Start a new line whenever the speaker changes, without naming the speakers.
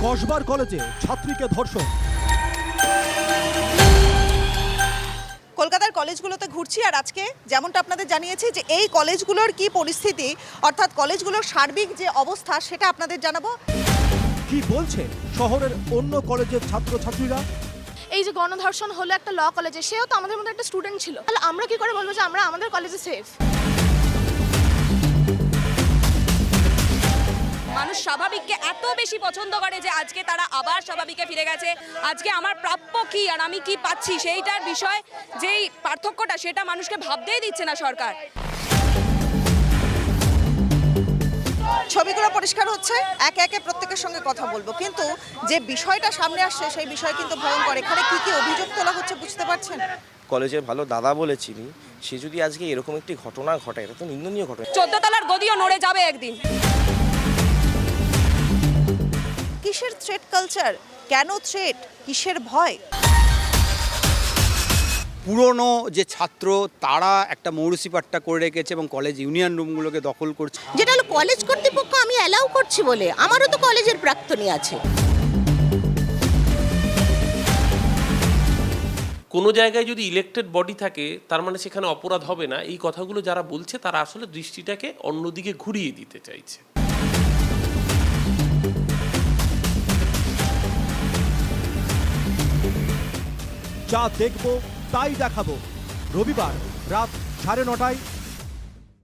কসবার কলেজে ছাত্রীকে ধর্ষণ।
কলকাতার কলেজগুলোতে ঘুরছি আর আজকে যেমনটা আপনাদের জানিয়েছি যে এই কলেজগুলোর কি পরিস্থিতি, অর্থাৎ কলেজগুলোর সার্বিক যে অবস্থা সেটা আপনাদের জানাবো।
কি বলছে শহরের অন্য কলেজের ছাত্রছাত্রীরা?
এই যে গণধর্ষণ হলো একটা ল কলেজে, সেও তো আমাদের মধ্যে একটা স্টুডেন্ট ছিল, তাহলে আমরা কি করে বলবো যে আমরা আমাদের কলেজে সেফ?
মানুষ স্বাভাবিককে এত বেশি পছন্দ করে যে আজকে তারা আবার স্বাভাবিকে ফিরে গেছে। আজকে আমার প্রাপ্য কি আর আমি কি পাচ্ছি সেইটার বিষয় যেই পার্থক্যটা, সেটা মানুষকে ভাবতেই দিচ্ছে না সরকার।
ছবিগুলো পরিষ্কার হচ্ছে, একে একে প্রত্যেকের সঙ্গে কথা বলবো, কিন্তু যে বিষয়টা সামনে আসছে সেই বিষয় কিন্তু ভয়ঙ্কর। এখানে কি কি অভিযোগ তোলা হচ্ছে বুঝতে পারছেন?
কলেজের ভালো দাদা বলে চিনি, সে যদি আজকে এরকম একটি ঘটনা ঘটায়, এটা তো নিন্দনীয় ঘটনা।
14 তলার গদিও নড়ে যাবে একদিন।
কিসের থ্রেট কালচার? কেন থ্রেট? কিসের ভয়?
পুরনো যে ছাত্র তারা একটা মৌরসিপাট্টা করে রেখেছে এবং কলেজ ইউনিয়ন রুমগুলোকে দখল করছে।
যেটা হলো কলেজ কর্তৃপক্ষ আমি অ্যালাউ করছি বলে, আমারও তো কলেজের প্রাক্তনী আছে।
কোনো জায়গায় যদি ইলেক্টেড বডি থাকে তার মানে সেখানে অপরাধ হবে না, এই কথাগুলো যারা বলছে তারা আসলে দৃষ্টিটাকে অন্যদিকে ঘুরিয়ে দিতে চাইছে।
যা দেখব তাই দেখাবো, রবিবার রাত 9:30